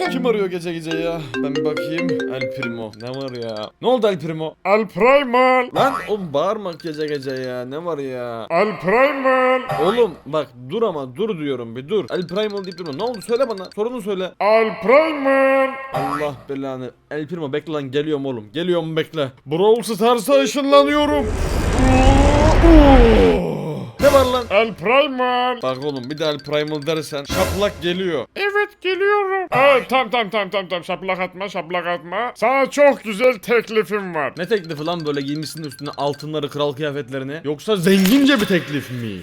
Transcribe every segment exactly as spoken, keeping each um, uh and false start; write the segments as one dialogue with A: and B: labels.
A: geldim.
B: Kim arıyor gece gece ya? Ben bir bakayım. El Primo. Ne var ya? Ne oldu El Primo?
C: El Primal.
B: Lan oğlum bağırma gece gece ya. Ne var ya?
C: El Primal.
B: Oğlum bak dur ama dur diyorum bir dur. El Primo deyip durma. Ne oldu söyle bana. Sorunu söyle.
C: El Primal.
B: Allah belanı. El Primo bekle lan geliyorum oğlum. Geliyorum bekle. Brawl Stars'a ışınlanıyorum. Ne var lan?
C: El Primal.
B: Bak oğlum bir de El Primal dersen şaplak geliyor.
C: Evet geliyorum. Evet tamam tamam tamam tamam tamam şaplak atma şaplak atma. Sana çok güzel teklifim var.
B: Ne teklifi lan böyle giymişsin üstüne altınları kral kıyafetlerini? Yoksa zengince bir teklif mi?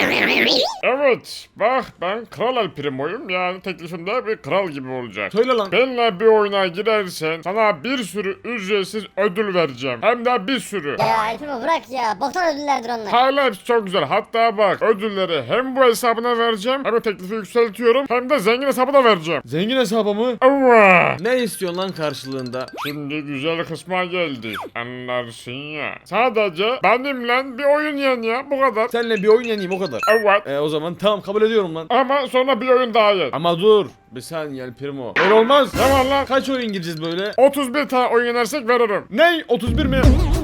C: Evet bak ben Kral El Primo'yum yani teklifimde bir kral gibi olacak.
B: Söyle lan.
C: Benimle bir oyuna girersen sana bir sürü ücretsiz ödül vereceğim. Hem de bir sürü.
A: Ya Elfimo bırak ya. Boktan ödüllerdir onlar.
C: Hala hepsi çok güzel. Hatta bak ödülleri hem bu hesabına vereceğim hem de teklifi yükseltiyorum hem de zengin hesabına vereceğim.
B: Zengin hesabı mı?
C: Evet.
B: Ne istiyorsun lan karşılığında?
C: Şimdi güzel kısma geldi. Anlarsın ya. Sadece benimle bir oyun yen ya bu kadar.
B: Seninle bir oyun yeneyim o kadar.
C: Evet.
B: E o zaman tamam kabul ediyorum lan.
C: Ama sonra bir oyun daha yen.
B: Ama dur. Bir saniye El Primo.
C: Öyle olmaz. Ne var lan?
B: Kaç oyun gireceğiz böyle?
C: otuz bir tane oyun yenersek veririm.
B: Ney? otuz bir mi?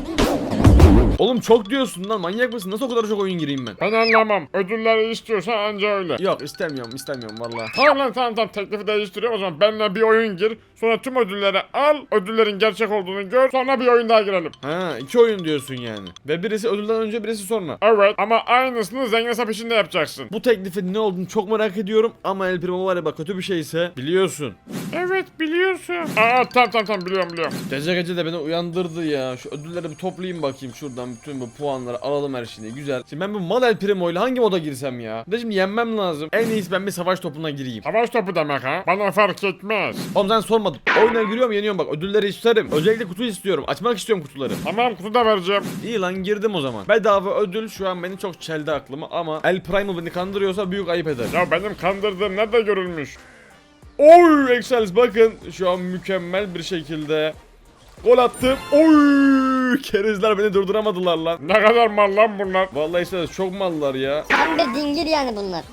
B: Oğlum çok diyorsun lan manyak mısın? Nasıl o kadar çok oyun gireyim ben?
C: Ben anlamam. Ödülleri istiyorsan anca öyle.
B: Yok istemiyorum istemiyorum valla.
C: Tamam lan tamam tamam teklifi değiştiriyorum o zaman benimle bir oyun gir. Sonra tüm ödülleri al. Ödüllerin gerçek olduğunu gör. Sonra bir oyun daha girelim.
B: Ha iki oyun diyorsun yani. Ve birisi ödülden önce birisi sonra.
C: Evet ama aynısını zengin hesap içinde yapacaksın.
B: Bu teklifin ne olduğunu çok merak ediyorum ama El Primo var ya bak kötü bir şeyse biliyorsun.
C: Evet biliyorsun. Aa tamam tamam tamam biliyorum biliyorum.
B: Gece gece de beni uyandırdı ya. Şu ödülleri bir toplayayım bakayım şuradan bütün bu puanları alalım her şeyi güzel. Şimdi ben bu mal El Primo ile hangi moda girsem ya? Bir de şimdi yenmem lazım. En iyisi ben bir savaş topuna gireyim.
C: Savaş topu demek ha. Bana fark etmez.
B: Oğlum sen sormadın. Oyuna giriyorum yeniyorum bak ödülleri isterim. Özellikle kutu istiyorum. Açmak istiyorum kutuları.
C: Tamam kutu da vereceğim.
B: İyi lan girdim o zaman. Bedava ödül şu an beni çok çeldi aklımı ama El Primo beni kandırıyorsa büyük ayıp eder.
C: Ya benim kandırdığım nerede görülmüş?
B: Oy Excels bakın şu an mükemmel bir şekilde gol attım. Oy kerizler beni durduramadılar lan.
C: Ne kadar mal lan bunlar?
B: Vallahi Excels çok mallar ya.
A: Tam bir dingil yani bunlar.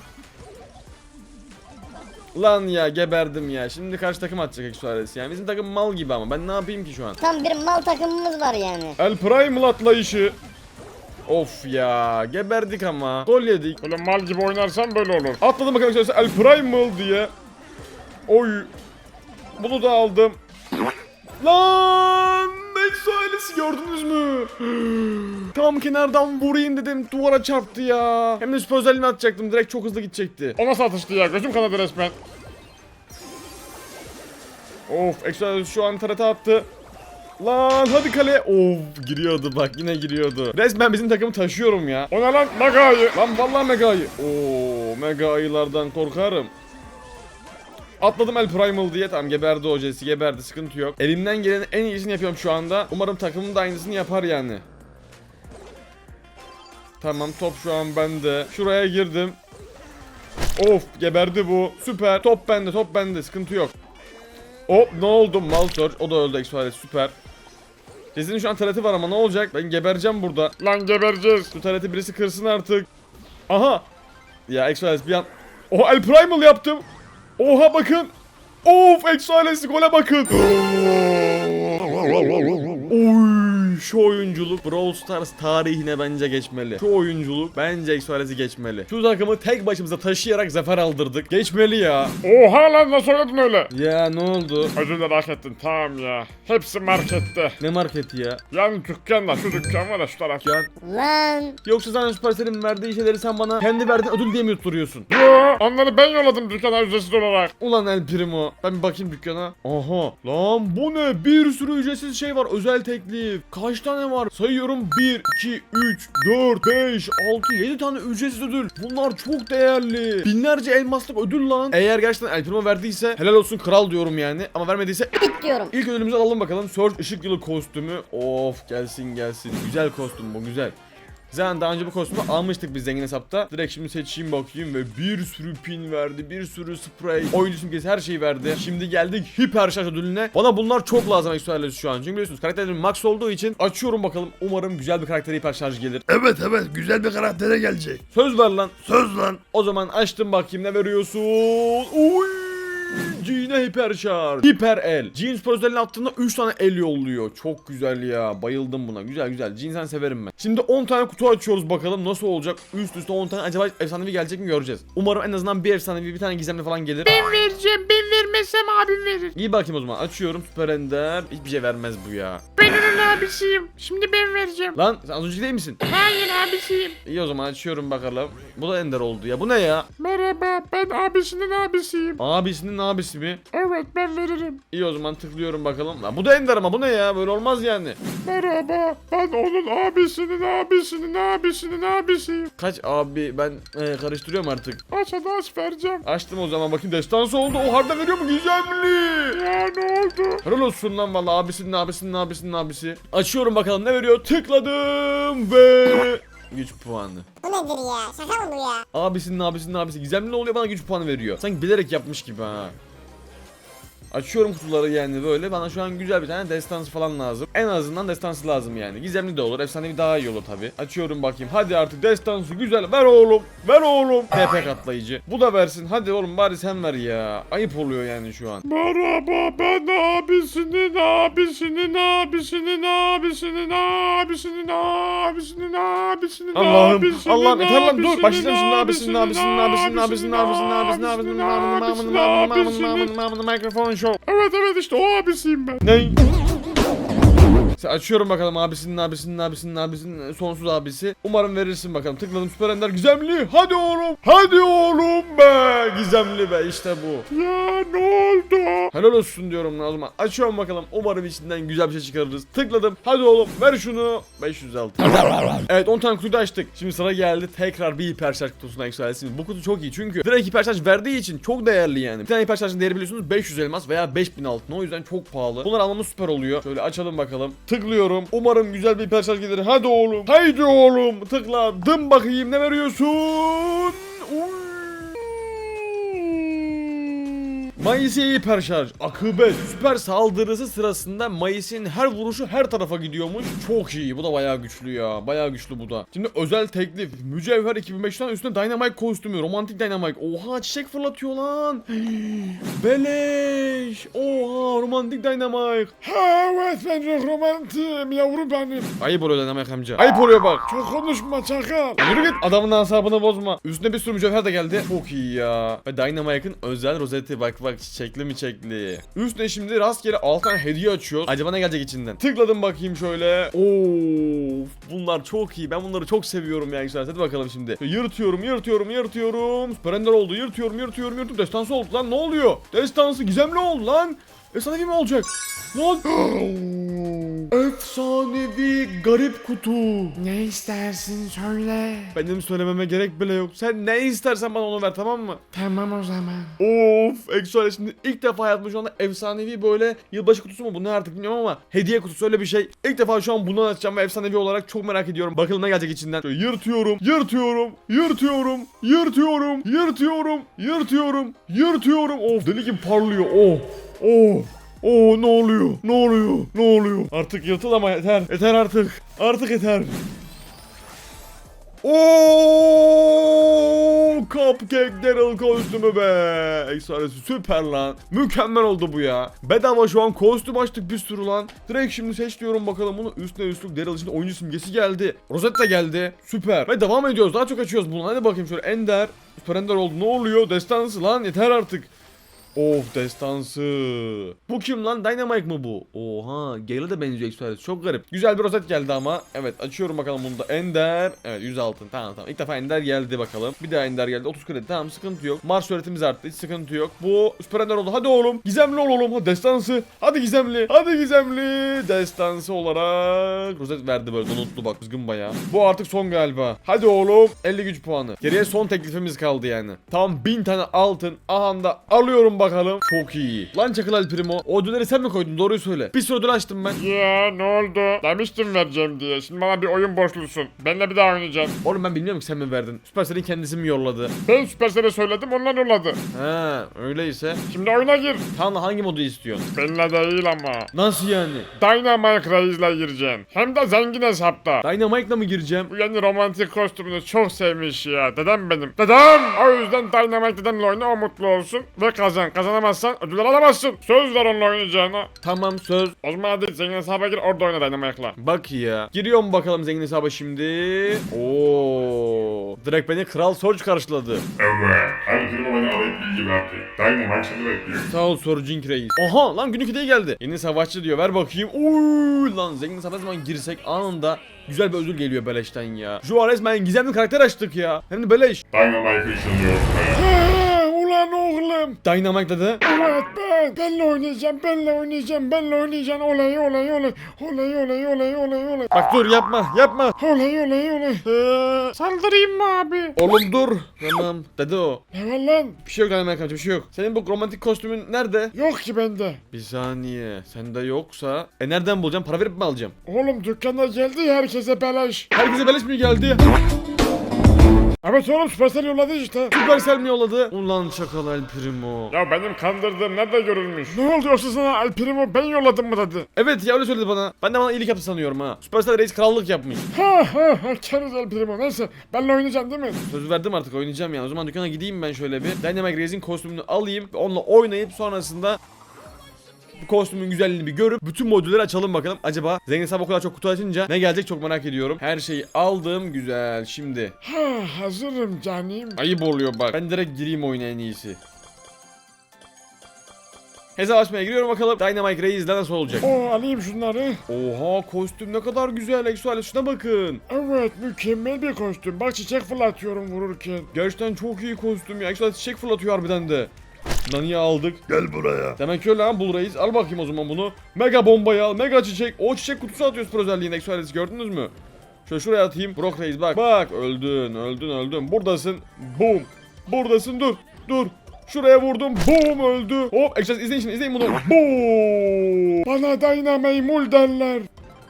B: Lan ya geberdim ya. Şimdi karşı takım atacak Excels yani. Bizim takım mal gibi ama ben ne yapayım ki şu an?
A: Tam bir mal takımımız var yani.
B: El Primo atlayışı. Of ya geberdik ama. Gol yedik.
C: Böyle mal gibi oynarsan böyle olur.
B: Atladım bakalım Excels El Primo diye. Oy. Bunu da aldım. Lan Exo ailesi gördünüz mü? Tam kenardan vurayım dedim duvara çarptı ya. Hem de süper özelliğini atacaktım direkt çok hızlı gidecekti.
C: O nasıl atıştı ya? Gözüm kanadı resmen.
B: Of Exo ailesi şu an tarata attı. Lan hadi kale. Of giriyordu bak yine giriyordu. Resmen bizim takımı taşıyorum ya.
C: O ne lan? Mega ayı.
B: Lan vallahi mega ayı. Oo mega ayılardan korkarım. Atladım El Primal diye tamam geberdi o Jesse geberdi sıkıntı yok. Elimden gelenin en iyisini yapıyorum şu anda. Umarım takımım da aynısını yapar yani. Tamam top şu an bende. Şuraya girdim. Of geberdi bu. Süper. Top bende top bende sıkıntı yok. Hop ne oldu Maltor o da öldü Express süper. Jesse'nin şu an tareti var ama ne olacak? Ben gebereceğim burada.
C: Lan gebereceğiz.
B: Şu tareti birisi kırsın artık. Aha. Ya Express bir an. Oha El Primal yaptım. Oha bakın. Of Exoales'i gole bakın. Oy şu oyunculuk Brawl Stars tarihine bence geçmeli. Şu oyunculuk bence Exoales'i geçmeli. Şu takımı tek başımıza taşıyarak zafer aldırdık. Geçmeli ya.
C: Oha lan nasıl oynadın öyle?
B: Ya ne oldu?
C: Ödülleri hak ettin tamam ya. Hepsi markette.
B: Ne marketi ya?
C: Yani dükkanda şu dükkan var ya şu taraf.
B: Can.
A: Lan.
B: Yoksa sen Supercell'in verdiği şeyleri sen bana kendi verdiğin ödül diye mi yutturuyorsun?
C: Yo onları ben yolladım dükkana ücretsiz olarak.
B: Ulan El Primo. Ben bir bakayım dükkana. Aha. Lan bu ne? Bir sürü ücretsiz şey var. Özel teklif. Kaç tane var? Sayıyorum. bir, iki, üç, dört, beş, altı, yedi tane ücretsiz ödül. Bunlar çok değerli. Binlerce elmaslık ödül lan. Eğer gerçekten El Primo verdiyse helal olsun kral diyorum yani. Ama vermediyse
A: Bit diyorum.
B: ilk ödülümüzü alalım bakalım. Surge ışık yılı kostümü. Of gelsin gelsin. Güzel kostüm bu güzel. Zaten daha önce bu kostümü almıştık biz zengin hesapta. Direkt şimdi seçeyim bakayım ve bir sürü pin verdi, bir sürü sprey, oyuncu simgesi her şeyi verdi. Şimdi geldik hiper şarj ödülüne. Bana bunlar çok lazım Exoalesi şu an. Çünkü biliyorsunuz karakterlerim max olduğu için açıyorum bakalım. Umarım güzel bir karakter hiper şarj gelir.
D: Evet evet güzel bir karaktere gelecek.
B: Söz ver lan.
D: Söz lan.
B: O zaman açtım bakayım ne veriyorsun. Uy! yine hiper şarj. Hiper el. Jean Spor özelliğini attığında üç tane el yolluyor. Çok güzel ya. Bayıldım buna. Güzel güzel. Jean sen severim ben. Şimdi on tane kutu açıyoruz bakalım nasıl olacak. Üst üste on tane acaba efsanevi gelecek mi göreceğiz. Umarım en azından bir efsanevi bir tane gizemli falan gelir.
C: Ben vereceğim. Ben vermezsem abim verir.
B: İyi bakayım o zaman. Açıyorum Süper Ender. Hiçbir şey vermez bu ya.
C: Ben onun abisiyim. Şimdi ben vereceğim.
B: Lan sen az önce değil misin?
C: Hayır abisiyim.
B: İyi o zaman açıyorum bakalım. Bu da Ender oldu ya. Bu ne ya?
C: Merhaba, ben abisinin abisiyim.
B: Abisinin abisi mi?
C: Evet, ben veririm.
B: İyi o zaman tıklıyorum bakalım. Lan bu da Ender ama bu ne ya? Böyle olmaz yani.
C: Merhaba, ben onun abisinin abisinin abisinin abisiyim.
B: Kaç abi ben e, karıştırıyorum artık.
C: Aç hadi aç vereceğim.
B: Açtım o zaman bakayım destansı oldu. O harbiden veriyor mu? Gizemli.
C: Ya ne oldu?
B: Helal olsun lan valla abisinin abisinin abisinin abisi. Açıyorum bakalım ne veriyor? Tıkladım ve güç puanı.
E: Bu nedir ya? Şaka mı bu ya?
B: Abisinin abisinin abisi gizemli oluyor bana güç puanı veriyor. Sanki bilerek yapmış gibi ha. Açıyorum kutuları yani böyle. Bana şu an güzel bir tane destansı falan lazım. En azından destansı lazım yani. Gizemli de olur. Efsanevi daha iyi olur tabi. Açıyorum bakayım. Hadi artık destansı güzel. Ver oğlum. Ver oğlum. T P katlayıcı. Bu da versin. Hadi oğlum bari sen ver ya. Ayıp oluyor yani şu an.
C: Merhaba, ben abisinin abisinin abisinin abisinin abisinin abisinin abisinin
B: Allah'ım.
C: abisinin
B: Allah'ım yeter lan dur.
C: abisinin
B: Başlayacağım şimdi abisinin abisinin abisinin abisinin abisinin abisinin abisinin abisinin abisinin abisinin mikrofon show.
C: Evet evet işte o abisiyim ben.
B: Ne? Açıyorum bakalım abisinin abisinin abisinin abisinin sonsuz abisi. Umarım verirsin bakalım. Tıkladım Süper Ender gizemli. Hadi oğlum. Hadi oğlum be. Gizemli be işte bu.
C: Ya ne oldu?
B: Helal olsun diyorum o zaman. Açıyorum bakalım. Umarım içinden güzel bir şey çıkarırız. Tıkladım. Hadi oğlum ver şunu. beş yüz altı. Evet on tane kutuyu da açtık. Şimdi sıra geldi. Tekrar bir hiper şarj kutusuna yükselsin. Bu kutu çok iyi çünkü direkt hiper şarj verdiği için çok değerli yani. Bir tane hiper şarjın değeri biliyorsunuz beş yüz elmas veya beş bin altın. O yüzden çok pahalı. Bunları almamız süper oluyor. Şöyle açalım bakalım. Tıklıyorum. Umarım güzel bir hiper şarj gelir. Hadi oğlum. Haydi oğlum. Tıkladım bakayım ne veriyorsun? Uy. Mayıs'e hiper şarj. Akıbet. Süper saldırısı sırasında Mayıs'in her vuruşu her tarafa gidiyormuş. Çok iyi. Bu da bayağı güçlü ya. Bayağı güçlü bu da. Şimdi özel teklif. Mücevher iki bin beş yüzden üstüne Dynamite kostümü. Romantik Dynamite. Oha çiçek fırlatıyor lan. Beleş. Oha romantik Dynamite.
C: Ha, evet ben çok romantim yavrum benim.
B: Ayıp oluyor Dynamite amca. Ayıp oluyor bak.
C: Çok konuşma çakal.
B: Yürü git adamın asabını bozma. Üstüne bir sürü mücevher de geldi. Çok iyi ya. Ve Dynamite'ın özel rozeti bak bak çiçekli mi çiçekli. Üstüne şimdi rastgele altı tane hediye açıyoruz. Acaba ne gelecek içinden? Tıkladım bakayım şöyle. Of bunlar çok iyi. Ben bunları çok seviyorum ya güzel. Hadi bakalım şimdi. Yırtıyorum yırtıyorum yırtıyorum. Süper Ender oldu. Yırtıyorum yırtıyorum yırtıyorum. Destansı oldu lan ne oluyor? Destansı gizemli oldu lan. Efsanevi mi olacak? Lan. Efsanevi garip kutu.
C: Ne istersin söyle.
B: Benim söylememe gerek bile yok. Sen ne istersen bana onu ver tamam mı?
C: Tamam o zaman.
B: Of Exoale şimdi ilk defa hayatımda şu anda efsanevi böyle yılbaşı kutusu mu bu ne artık bilmiyorum ama hediye kutusu öyle bir şey. İlk defa şu an bunu açacağım ve efsanevi olarak çok merak ediyorum. Bakalım ne gelecek içinden. Şöyle yırtıyorum, yırtıyorum, yırtıyorum, yırtıyorum, yırtıyorum, yırtıyorum, yırtıyorum. Of deli gibi parlıyor. Oh, oh. Oo ne oluyor? Ne oluyor? Ne oluyor? Artık yırtıl ama yeter. Yeter artık. Artık yeter. Oo Cupcake Daryl kostümü be. Ekstrası süper lan. Mükemmel oldu bu ya. Bedava şu an kostüm açtık bir sürü lan. Direkt şimdi seç diyorum bakalım bunu. Üstüne üstlük Daryl için oyuncu simgesi geldi. Rozet de geldi. Süper. Ve devam ediyoruz. Daha çok açıyoruz bunu. Hadi bakayım şöyle Ender. Süper Ender oldu. Ne oluyor? Destansı lan. Yeter artık. Of destansı. Bu kim lan? Dynamite mı bu? Oha. Gale'e de benziyor Exoales. Çok garip. Güzel bir rozet geldi ama. Evet açıyorum bakalım bunu da. Ender. Evet yüz altın. Tamam tamam. İlk defa Ender geldi bakalım. Bir daha Ender geldi. otuz kredi. Tamam sıkıntı yok. Mars öğretimiz arttı. Hiç sıkıntı yok. Bu Süper Ender oldu. Hadi oğlum. Gizemli ol oğlum. Hadi destansı. Hadi gizemli. Hadi gizemli. Destansı olarak. Rozet verdi böyle. Donutlu bak. Kızgın bayağı. Bu artık son galiba. Hadi oğlum. elli güç puanı. Geriye son teklifimiz kaldı yani. Tam bin tane altın. Aha da alıyorum bakalım. Çok iyi. Lan Çakıl El Primo. O ödülleri sen mi koydun? Doğruyu söyle. Bir sürü ödül açtım ben.
C: Ya ne oldu? Demiştim vereceğim diye. Şimdi bana bir oyun borçlusun. Benimle bir daha oynayacağım.
B: Oğlum ben bilmiyorum ki sen mi verdin. Süpersel'in kendisi mi yolladı?
C: Ben Supercell'e söyledim onlar yolladı.
B: Ha öyleyse.
C: Şimdi oyuna gir.
B: Tamam da hangi modu istiyorsun?
C: Benimle değil ama.
B: Nasıl yani?
C: Dynamite Reis'le gireceksin. Hem de zengin hesapta.
B: Dynamite'la mı gireceğim?
C: Bu yeni romantik kostümünü çok sevmiş ya. Dedem benim. Dedem! O yüzden Dynamite dedemle oyna o mutlu olsun ve kazan. zaman kazanamazsan ödüller alamazsın. Söz ver onunla oynayacağına.
B: Tamam söz.
C: O zaman hadi zengin hesaba gir orada oyna Dynamite'la.
B: Bak ya. Giriyorum bakalım zengin hesaba şimdi. Oo. Direkt beni Kral Sorge karşıladı.
F: Evet, herkese bana alayım bilgi verdi. Dynamite seni bekliyor.
B: Sağ ol Sorging Reis. Aha lan günlük hediye geldi. Yeni savaşçı diyor. Ver bakayım. Oy lan zengin hesaba ne zaman girsek anında güzel bir ödül geliyor beleşten ya. Şu an resmen gizemli karakter açtık ya. Hem de beleş.
F: Dynamite ışınlıyor.
C: Ha, ulan oğlum.
B: Dynamite dedi.
C: Evet ben. Benle oynayacağım, benle oynayacağım, benle oynayacağım. Olay olay olay. Olay olay olay olay olay.
B: Bak dur yapma yapma.
C: Olay olay olay. Ee, saldırayım mı abi?
B: Oğlum dur. Tamam dedi o.
C: Ne var lan?
B: Bir şey yok Dynamite amca bir şey yok. Senin bu romantik kostümün nerede?
C: Yok ki bende.
B: Bir saniye. Sende yoksa. E nereden bulacağım? Para verip mi alacağım?
C: Oğlum dükkana geldi ya herkese beleş.
B: Herkese beleş mi geldi?
C: Evet oğlum Supercell yolladı işte.
B: Supercell mi yolladı? Ulan çakal El Primo.
C: Ya benim kandırdığım nerede görülmüş? Ne oldu yoksa sana El Primo ben yolladım mı dedi?
B: Evet ya öyle söyledi bana. Ben de bana iyilik yaptı sanıyorum ha. Supercell Reis krallık yapmış.
C: Ha ha ha keriz El Primo neyse benle oynayacaksın değil mi?
B: Söz verdim artık oynayacağım yani. O zaman dükkana gideyim ben şöyle bir. Dynamite Reis'in kostümünü alayım. Onunla oynayıp sonrasında bu kostümün güzelliğini bir görüp bütün modülleri açalım bakalım. Acaba zengin hesabı o kadar çok kutu açınca ne gelecek çok merak ediyorum. Her şeyi aldım güzel. Şimdi
C: Ha hazırım canım.
B: ayıp oluyor bak. Ben direkt gireyim oyuna en iyisi. Hesap açmaya giriyorum bakalım. Dynamite Reis'le nasıl olacak?
C: Oo alayım şunları.
B: Oha kostüm ne kadar güzel. Exoale şuna bakın.
C: Evet mükemmel bir kostüm. Bak çiçek fırlatıyorum vururken.
B: Gerçekten çok iyi kostüm ya. Exoale çiçek fırlatıyor harbiden de. Nani'yi aldık.
D: Gel buraya.
B: Demek öyle ha Bull Reis. Al bakayım o zaman bunu. Mega bombayı al. Mega çiçek. O çiçek kutusu atıyoruz pro özelliğinde. Exoalesi gördünüz mü? Şöyle şuraya atayım. Brock Reis bak. Bak öldün öldün öldün. Buradasın. Boom. Buradasın dur. Dur. Şuraya vurdum. Boom öldü. Hop Exoales izleyin şimdi izleyin bunu. Boom.
C: Bana Dynamite Mul derler.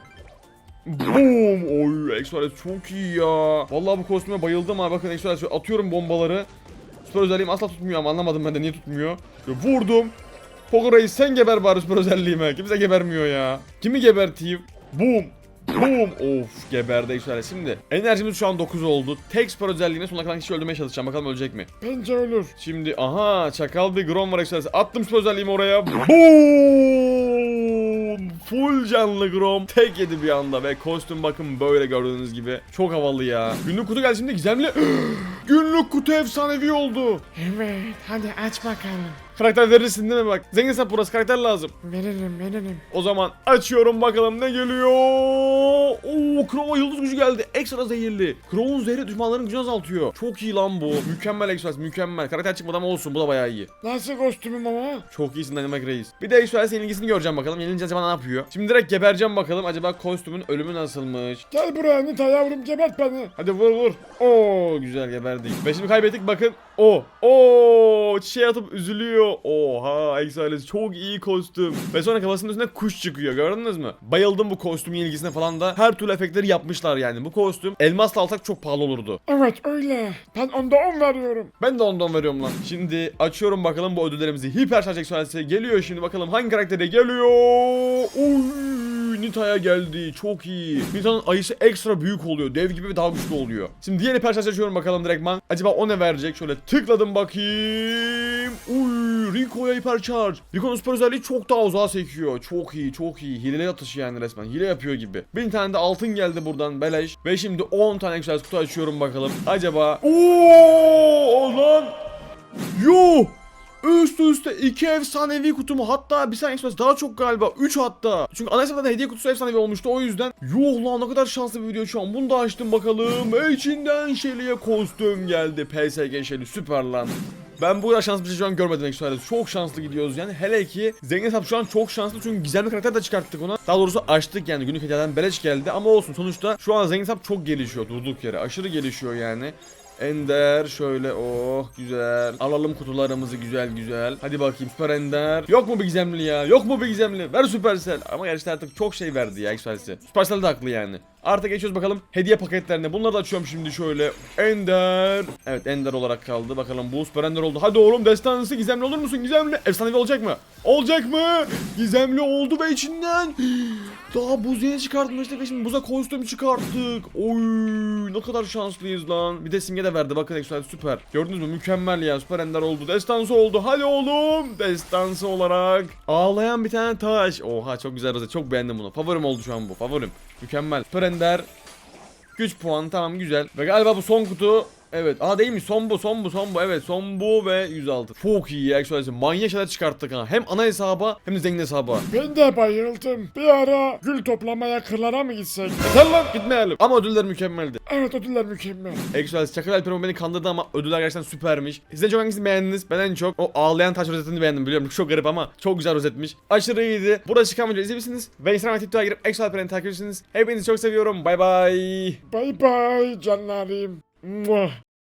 B: Boom. Oy Exoales çok iyi ya. Vallahi bu kostüme bayıldım ha. Bakın Exoales şöyle atıyorum bombaları. Süper özelliğim asla tutmuyor ama anlamadım ben de niye tutmuyor. Şöyle vurdum. Pogo Reis sen geber bari süper özelliğime. Kimse gebermiyor ya. Kimi geberteyim? Boom. Boom. Of geberdi Exoales. Şimdi enerjimiz şu an dokuz oldu. Tek süper özelliğine sonuna kalan kişi öldürmeye çalışacağım. Bakalım ölecek mi?
C: Bence ölür.
B: Şimdi aha çakal bir Grom var Exoales. Attım süper özelliğimi oraya. Boom. Full canlı Grom. Tek yedi bir anda ve kostüm bakın böyle gördüğünüz gibi. Çok havalı ya. Günlük kutu geldi şimdi gizemli. Günlük kutu efsanevi oldu.
C: Evet hadi aç bakalım.
B: Karakter verirsin değil mi bak? Zengin hesap burası karakter lazım.
C: Veririm veririm.
B: O zaman açıyorum bakalım ne geliyor. Oo Crow'a yıldız gücü geldi. Ekstra zehirli. Crow'un zehri düşmanların gücünü azaltıyor. Çok iyi lan bu. Mükemmel Express mükemmel. Karakter çıkmadan ama olsun bu da bayağı iyi.
C: Nasıl kostümüm ama?
B: Çok iyisin Dynamite Reis. Bir de Express'in ilgisini göreceğim bakalım. Yenilince acaba ne yapıyor? Şimdi direkt gebereceğim bakalım. Acaba kostümün ölümü nasılmış?
C: Gel buraya Nita yavrum gebert beni.
B: Hadi vur vur. Oo güzel geberdik. Ve şimdi kaybettik bakın. O. Oo çiçeğe atıp üzülüyor. Oha Exoales çok iyi kostüm. Ve sonra kafasının üstüne kuş çıkıyor gördünüz mü? Bayıldım bu kostümün ilgisine falan da. Her türlü efektleri yapmışlar yani. Bu kostüm elmasla alsak çok pahalı olurdu.
C: Evet öyle. Ben onda on veriyorum.
B: Ben de ondan veriyorum lan. Şimdi açıyorum bakalım bu ödüllerimizi. Hiper şarj Exoales'e geliyor şimdi bakalım hangi karaktere geliyor. Oy Nita'ya geldi. Çok iyi. Nita'nın ayısı ekstra büyük oluyor. Dev gibi ve daha güçlü oluyor. Şimdi diğer hiper şarj açıyorum bakalım direktman. Acaba o ne verecek? Şöyle tıkladım bakayım. Uy Rico'ya hiper şarj. Rico'nun süper özelliği çok daha uzağa sekiyor. Çok iyi çok iyi. Hileli atışı yani resmen. Hile yapıyor gibi. bin tane de altın geldi buradan beleş. Ve şimdi on tane Exoales kutu açıyorum bakalım. Acaba ooo lan. Yo. Üst üste iki efsanevi kutumu hatta bir saniye Express daha çok galiba üç hatta. Çünkü ana hesapta da hediye kutusu efsanevi olmuştu o yüzden. Yuh lan ne kadar şanslı bir video şu an. Bunu da açtım bakalım. Ve içinden Shelly'e kostüm geldi. P S G Shelly süper lan. Ben bu kadar şanslı bir şey şu an görmedim Express. Çok şanslı gidiyoruz yani. Hele ki zengin hesap şu an çok şanslı çünkü gizemli karakter de çıkarttık ona. Daha doğrusu açtık yani günlük hediyeden beleş geldi ama olsun sonuçta şu an zengin hesap çok gelişiyor durduk yere. Aşırı gelişiyor yani. Ender şöyle oh güzel. Alalım kutularımızı güzel güzel. Hadi bakayım süper Ender. Yok mu bir gizemli ya? Yok mu bir gizemli? Ver Supercell. Ama gerçekten artık çok şey verdi ya Express'e. Supercell de haklı yani. Artık geçiyoruz bakalım hediye paketlerine. Bunları da açıyorum şimdi şöyle. Ender. Evet Ender olarak kaldı. Bakalım bu süper Ender oldu. Hadi oğlum destansı gizemli olur musun? Gizemli. Efsanevi olacak mı? Olacak mı? Gizemli oldu ve içinden Daha buz yeni çıkartmıştık ve şimdi buza kostüm çıkarttık. Oy ne kadar şanslıyız lan. Bir de simge de verdi bakın Exoalesi süper. Gördünüz mü mükemmel ya, süper ender oldu. Destansı oldu hadi oğlum. Destansı olarak. Ağlayan bir tane taş. Oha çok güzel rozet, çok beğendim bunu. Favorim oldu şu an bu, favorim. Mükemmel. Süper ender. Güç puanı tamam güzel. Ve galiba bu son kutu. Evet. Aa değil mi? Son bu, son bu, son bu. Evet, son bu ve yüz altı. Çok iyi ya Exoalesi. Manyak şeyler çıkarttık ha. Hem ana hesaba hem de zengin hesaba.
C: Ben de bayıldım. Bir ara gül toplamaya kırlara mı gitsek?
B: Yeter lan gitmeyelim. Ama ödüller mükemmeldi.
C: Evet, ödüller mükemmel.
B: Exoalesi Çakal Alper'im beni kandırdı ama ödüller gerçekten süpermiş. Siz en çok hangisini beğendiniz? Ben en çok o ağlayan taş rozetini beğendim, biliyorum. Çok garip ama çok güzel rozetmiş. Aşırı iyiydi. Burada çıkan videoyu izleyebilirsiniz. Ve Instagram ve TikTok'a girip Exo Alper'ini takip edersiniz. Hepinizi çok seviyorum. Bay bay.
C: Bay bay canlarım. Muah.